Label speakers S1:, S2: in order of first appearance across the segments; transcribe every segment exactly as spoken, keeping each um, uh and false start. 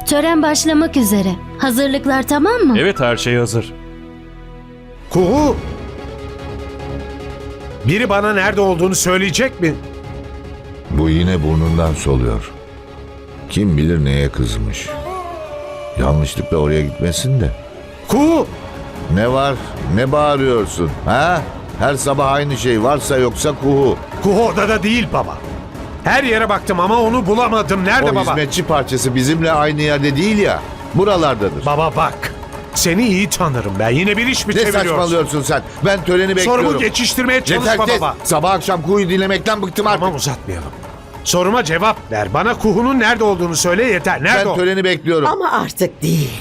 S1: Tören başlamak üzere. Hazırlıklar tamam mı?
S2: Evet, her şey hazır.
S3: Kuhu! Biri bana nerede olduğunu söyleyecek mi?
S4: Bu yine burnundan soluyor. Kim bilir neye kızmış. Yanlışlıkla oraya gitmesin de.
S3: Kuhu!
S4: Ne var? Ne bağırıyorsun? Ha? Her sabah aynı şey, varsa yoksa kuhu.
S3: Kuhu odada değil baba. Her yere baktım ama onu bulamadım. Nerede
S4: O
S3: baba?
S4: hizmetçi parçası bizimle aynı yerde değil ya. Buralardadır.
S3: Baba bak. Seni iyi tanırım ben. Yine bir iş mi
S4: Ne
S3: çeviriyorsun?
S4: saçmalıyorsun sen? Ben töreni bekliyorum.
S3: Sorumu geçiştirmeye çalışma
S4: Yeter kes.
S3: baba.
S4: Sabah akşam kuhuyu dinlemekten bıktım artık.
S3: Tamam, uzatmayalım. Soruma cevap ver. Bana Kuhu'nun nerede olduğunu söyle yeter. Nerede
S4: Ben
S3: o?
S4: töreni bekliyorum.
S5: Ama artık değil.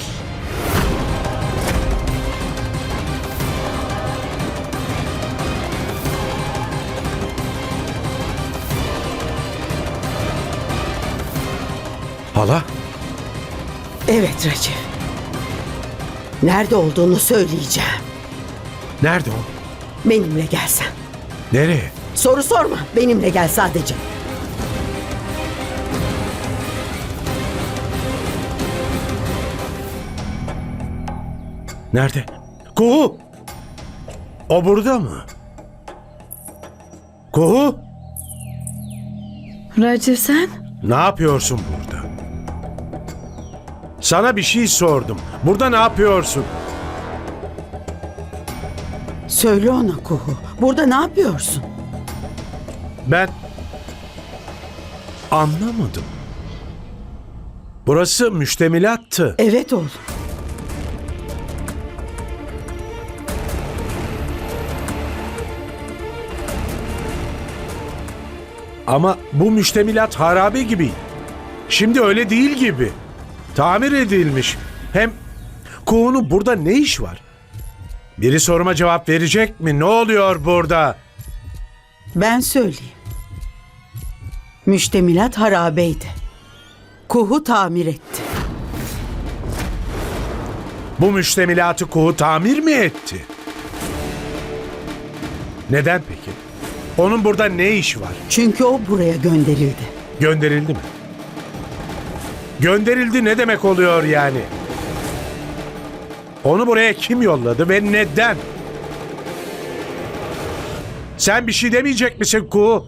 S3: Hala?
S5: Evet Recep. Nerede olduğunu söyleyeceğim.
S3: Nerede o?
S5: Benimle gelsen.
S3: Nereye?
S5: Soru sorma. Benimle gel sadece.
S3: Nerede? Kuhu! O burada mı? Kuhu!
S6: Raciv sen?
S3: Ne yapıyorsun burada? Sana bir şey sordum. Burada ne yapıyorsun?
S5: Söyle ona Kuhu. Burada ne yapıyorsun?
S3: Ben anlamadım. Burası müştemilattı.
S5: Evet oğlum.
S3: Ama bu müştemilat harabe gibi. Şimdi öyle değil gibi. Tamir edilmiş. Hem Kuhu'nun burada ne iş var? Biri soruma cevap verecek mi? Ne oluyor burada?
S5: Ben söyleyeyim. Müştemilat harabeydi. Kuhu tamir etti.
S3: Bu müştemilatı Kuhu tamir mi etti? Neden peki? Onun burada ne işi var?
S5: Çünkü o buraya gönderildi.
S3: Gönderildi mi? Gönderildi ne demek oluyor yani? Onu buraya kim yolladı ve neden? Sen bir şey demeyecek misin Kuhu?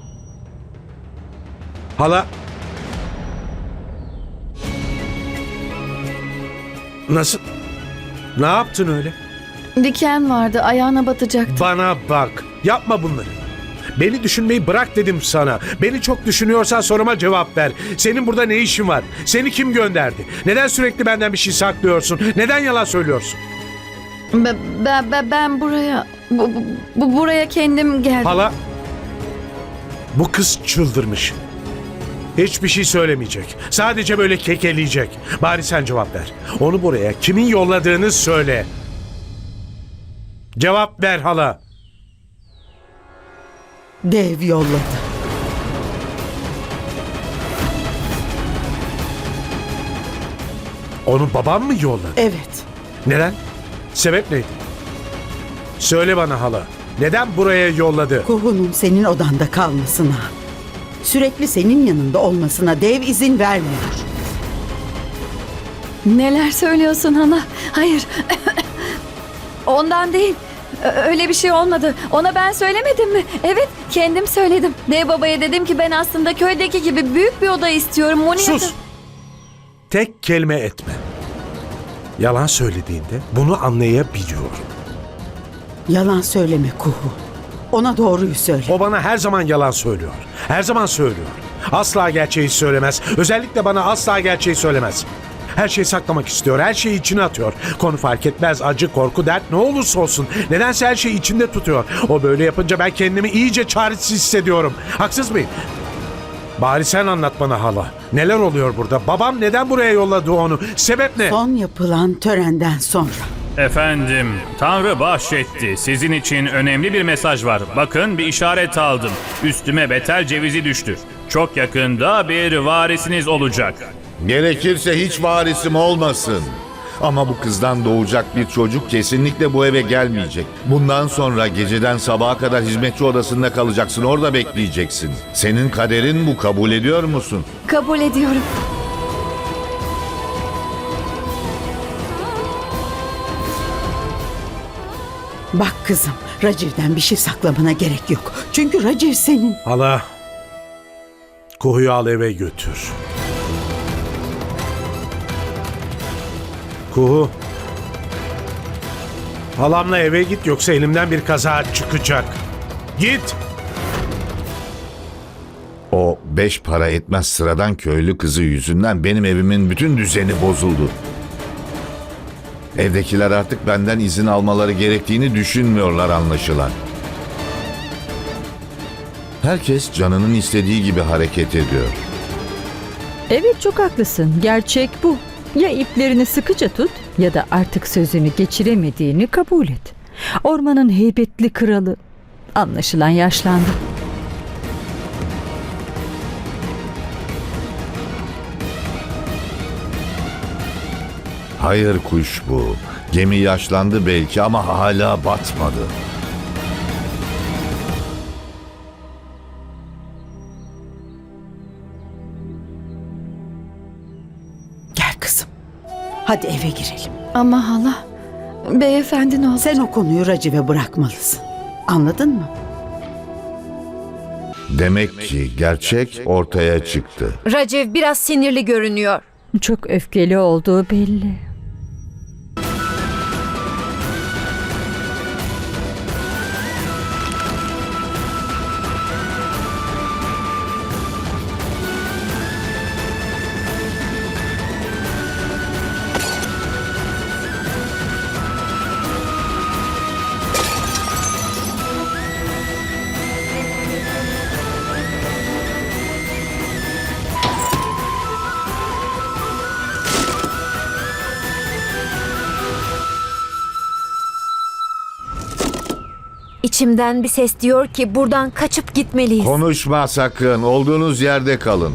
S3: Hala? Nasıl? Ne yaptın öyle?
S6: Diken vardı, ayağına batacaktı.
S3: Bana bak. Yapma bunları. Beni düşünmeyi bırak dedim sana. Beni çok düşünüyorsan soruma cevap ver. Senin burada ne işin var? Seni kim gönderdi? Neden sürekli benden bir şey saklıyorsun? Neden yalan söylüyorsun?
S6: Ben, ben, ben, ben buraya, bu, bu, bu- buraya kendim geldim.
S3: Hala, bu kız çıldırmış. Hiçbir şey söylemeyecek. Sadece böyle kekeleyecek. Bari sen cevap ver. Onu buraya kimin yolladığını söyle. Cevap ver hala.
S5: Dev yolladı.
S3: Onu babam mı yolladı?
S5: Evet.
S3: Neden? Sebep neydi? Söyle bana hala. Neden buraya yolladı?
S5: Kuhu'nun senin odanda kalmasına, sürekli senin yanında olmasına dev izin vermiyor.
S6: Neler söylüyorsun hala? Hayır. Ondan değil. Ö- Öyle bir şey olmadı. Ona ben söylemedim mi? Evet, kendim söyledim. Dev babaya dedim ki ben aslında köydeki gibi büyük bir oda istiyorum. Monia'da...
S3: Sus! Tek kelime etme. Yalan söylediğinde bunu anlayabiliyorum.
S5: Yalan söyleme Kuhu. Ona doğruyu söyle.
S3: O bana her zaman yalan söylüyor. Her zaman söylüyor. Asla gerçeği söylemez. Özellikle bana asla gerçeği söylemez. Her şeyi saklamak istiyor. Her şeyi içine atıyor. Konu fark etmez. Acı, korku, dert ne olursa olsun. Nedense her şeyi içinde tutuyor. O böyle yapınca ben kendimi iyice çaresiz hissediyorum. Haksız mıyım? Bari sen anlat bana hala. Neler oluyor burada? Babam neden buraya yolladı onu? Sebep ne?
S5: Son yapılan törenden sonra.
S7: Efendim, Tanrı bahşetti. Sizin için önemli bir mesaj var. Bakın bir işaret aldım. Üstüme betel cevizi düştü. Çok yakında bir varisiniz olacak.
S4: Gerekirse hiç varisim olmasın. Ama bu kızdan doğacak bir çocuk kesinlikle bu eve gelmeyecek. Bundan sonra geceden sabaha kadar hizmetçi odasında kalacaksın, orada bekleyeceksin. Senin kaderin bu, kabul ediyor musun?
S6: Kabul ediyorum.
S5: Bak kızım, Raciv'den bir şey saklamana gerek yok. Çünkü Raciv senin.
S3: Hala, Kuhu'yu al eve götür. Kuhu, halamla eve git yoksa elimden bir kaza çıkacak. Git!
S4: O beş para etmez sıradan köylü kızı yüzünden benim evimin bütün düzeni bozuldu. Evdekiler artık benden izin almaları gerektiğini düşünmüyorlar anlaşılan. Herkes canının istediği gibi hareket ediyor.
S2: Evet, çok haklısın. Gerçek bu. Ya iplerini sıkıca tut ya da artık sözünü geçiremediğini kabul et. Ormanın heybetli kralı anlaşılan yaşlandı.
S4: Hayır kuş bu. Gemi yaşlandı belki ama hala batmadı.
S5: Gel kızım. Hadi eve girelim.
S6: Ama hala, beyefendi ne olur.
S5: Sen o konuyu Raciv'e bırakmalısın. Anladın mı?
S4: Demek ki gerçek ortaya çıktı.
S8: Raciv biraz sinirli görünüyor.
S2: Çok öfkeli olduğu belli.
S8: İçimden bir ses diyor ki buradan kaçıp gitmeliyiz.
S4: Konuşma sakın. Olduğunuz yerde kalın.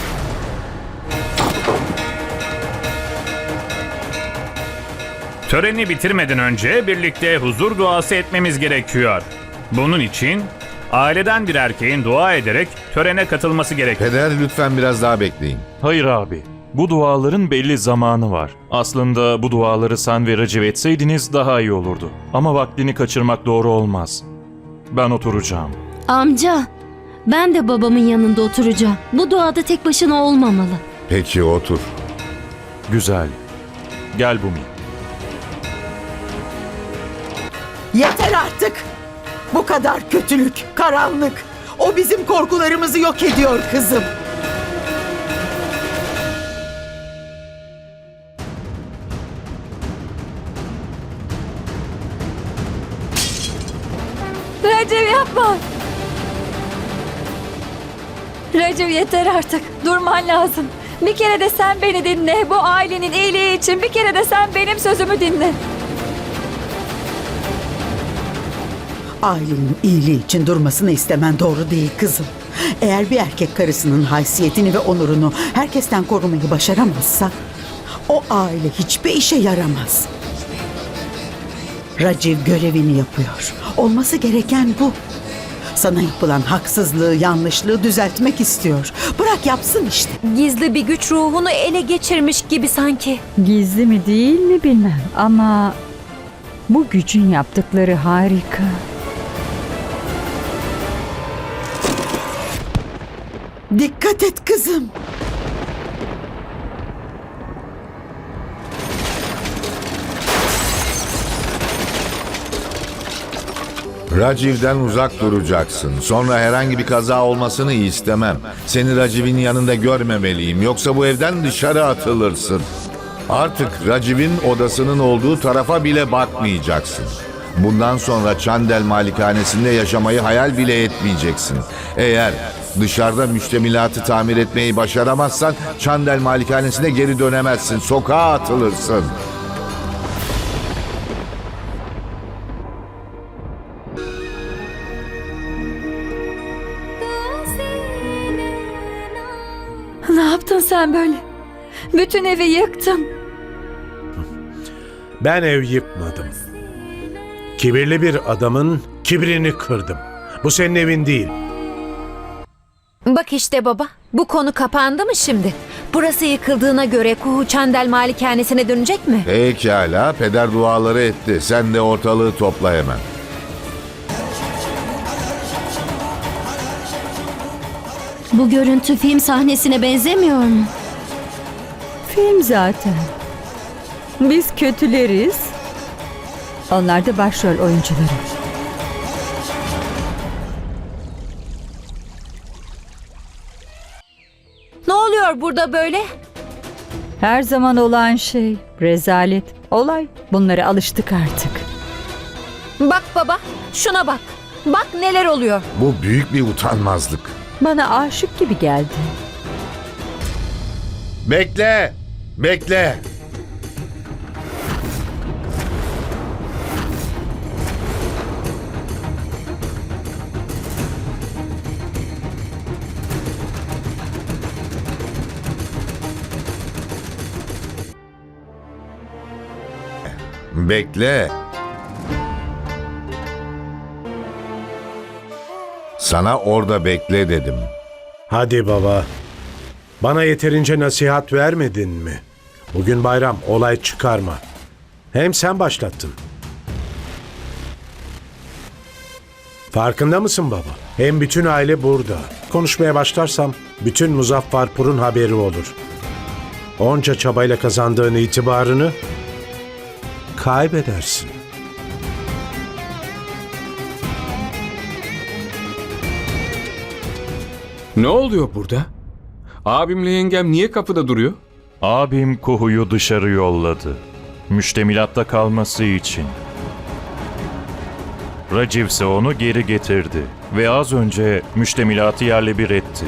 S7: Töreni bitirmeden önce birlikte huzur duası etmemiz gerekiyor. Bunun için aileden bir erkeğin dua ederek törene katılması gerekiyor.
S4: Peder lütfen biraz daha bekleyin.
S9: Hayır abi. Bu duaların belli zamanı var. Aslında bu duaları sen ve Raciv etseydiniz daha iyi olurdu. Ama vaktini kaçırmak doğru olmaz. Ben oturacağım.
S1: Amca, ben de babamın yanında oturacağım. Bu duada tek başına olmamalı.
S4: Peki otur.
S9: Güzel. Gel Bumi.
S5: Yeter artık. Bu kadar kötülük, karanlık. O bizim korkularımızı yok ediyor kızım.
S6: Raciv yapma. Raciv yeter artık. Durman lazım. Bir kere de sen beni dinle. Bu ailenin iyiliği için bir kere de sen benim sözümü dinle.
S5: Ailenin iyiliği için durmasını istemen doğru değil kızım. Eğer bir erkek karısının haysiyetini ve onurunu herkesten korumayı başaramazsa o aile hiçbir işe yaramaz. Raciv görevini yapıyor. Olması gereken bu. Sana yapılan haksızlığı, yanlışlığı düzeltmek istiyor. Bırak yapsın işte.
S8: Gizli bir güç ruhunu ele geçirmiş gibi sanki.
S2: Gizli mi değil mi bilmem ama bu gücün yaptıkları harika.
S5: Dikkat et kızım.
S4: Raciv'den uzak duracaksın. Sonra herhangi bir kaza olmasını istemem. Seni Raciv'in yanında görmemeliyim. Yoksa bu evden dışarı atılırsın. Artık Raciv'in odasının olduğu tarafa bile bakmayacaksın. Bundan sonra Çandel malikanesinde yaşamayı hayal bile etmeyeceksin. Eğer dışarıda müştemilatı tamir etmeyi başaramazsan Çandel malikanesine geri dönemezsin. Sokağa atılırsın.
S6: Ne yaptın sen böyle? Bütün evi yıktın.
S3: Ben ev yıkmadım. Kibirli bir adamın kibrini kırdım. Bu senin evin değil.
S8: Bak işte baba, bu konu kapandı mı şimdi? Burası yıkıldığına göre Kuhu Çandel malikanesine dönecek mi?
S4: Pekala, peder duaları etti. Sen de ortalığı topla hemen.
S1: Bu görüntü film sahnesine benzemiyor mu?
S2: Film zaten. Biz kötüleriz. Onlar da başrol oyuncuları.
S8: Ne oluyor burada böyle?
S2: Her zaman olan şey, rezalet, olay. Bunlara alıştık artık.
S8: Bak baba, şuna bak. Bak neler oluyor.
S4: Bu büyük bir utanmazlık.
S2: Bana aşık gibi geldi.
S4: Bekle! Bekle! Bekle. Sana orada bekle dedim.
S3: Hadi baba. Bana yeterince nasihat vermedin mi? Bugün bayram, olay çıkarma. Hem sen başlattın. Farkında mısın baba? Hem bütün aile burada. Konuşmaya başlarsam bütün Muzaffarpur'un haberi olur. Onca çabayla kazandığın itibarını kaybedersin.
S10: Ne oluyor burada? Abimle yengem niye kapıda duruyor?
S9: Abim Kuhu'yu dışarı yolladı. Müştemilatta kalması için. Raciv ise onu geri getirdi ve az önce müştemilatı yerle bir etti.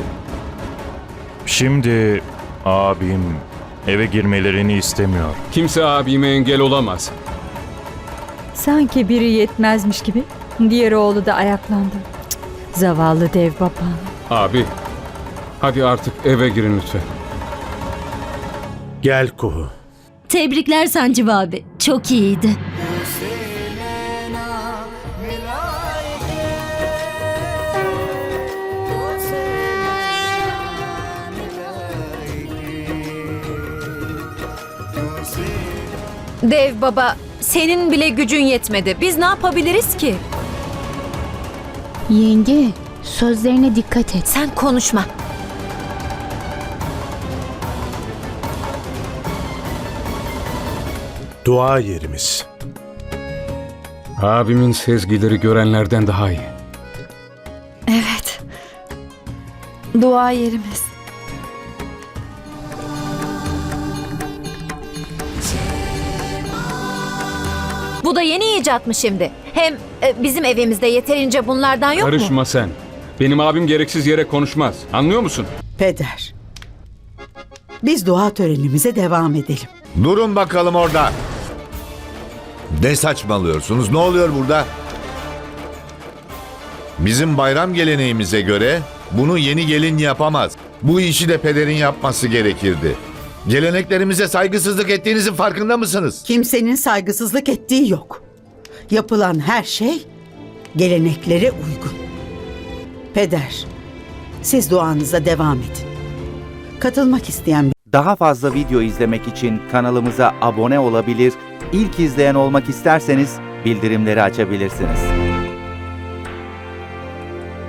S9: Şimdi abim eve girmelerini istemiyor.
S10: Kimse abime engel olamaz.
S2: Sanki biri yetmezmiş gibi. Diğer oğlu da ayaklandı. Cık, zavallı dev babam.
S10: Abi, hadi artık eve girin lütfen.
S3: Gel Kuhu.
S1: Tebrikler Sancı abi. Çok iyiydi.
S8: Dev baba, senin bile gücün yetmedi. Biz ne yapabiliriz ki?
S11: Yenge, sözlerine dikkat et.
S8: Sen konuşma.
S3: Dua yerimiz.
S10: Abimin sezgileri görenlerden daha iyi.
S6: Evet. Dua yerimiz.
S8: Bu da yeni icat mı şimdi? Hem e, bizim evimizde yeterince bunlardan yok mu?
S10: Karışma sen. Benim abim gereksiz yere konuşmaz. Anlıyor musun?
S5: Peder. Biz dua törenimize devam edelim.
S4: Durun bakalım orada. Ne saçmalıyorsunuz? Ne oluyor burada? Bizim bayram geleneğimize göre bunu yeni gelin yapamaz. Bu işi de pederin yapması gerekirdi. Geleneklerimize saygısızlık ettiğinizin farkında mısınız?
S5: Kimsenin saygısızlık ettiği yok. Yapılan her şey geleneklere uygun. Peder, siz duanıza devam edin. Katılmak isteyen
S12: Daha fazla video izlemek için kanalımıza abone olabilir, ilk izleyen olmak isterseniz bildirimleri açabilirsiniz.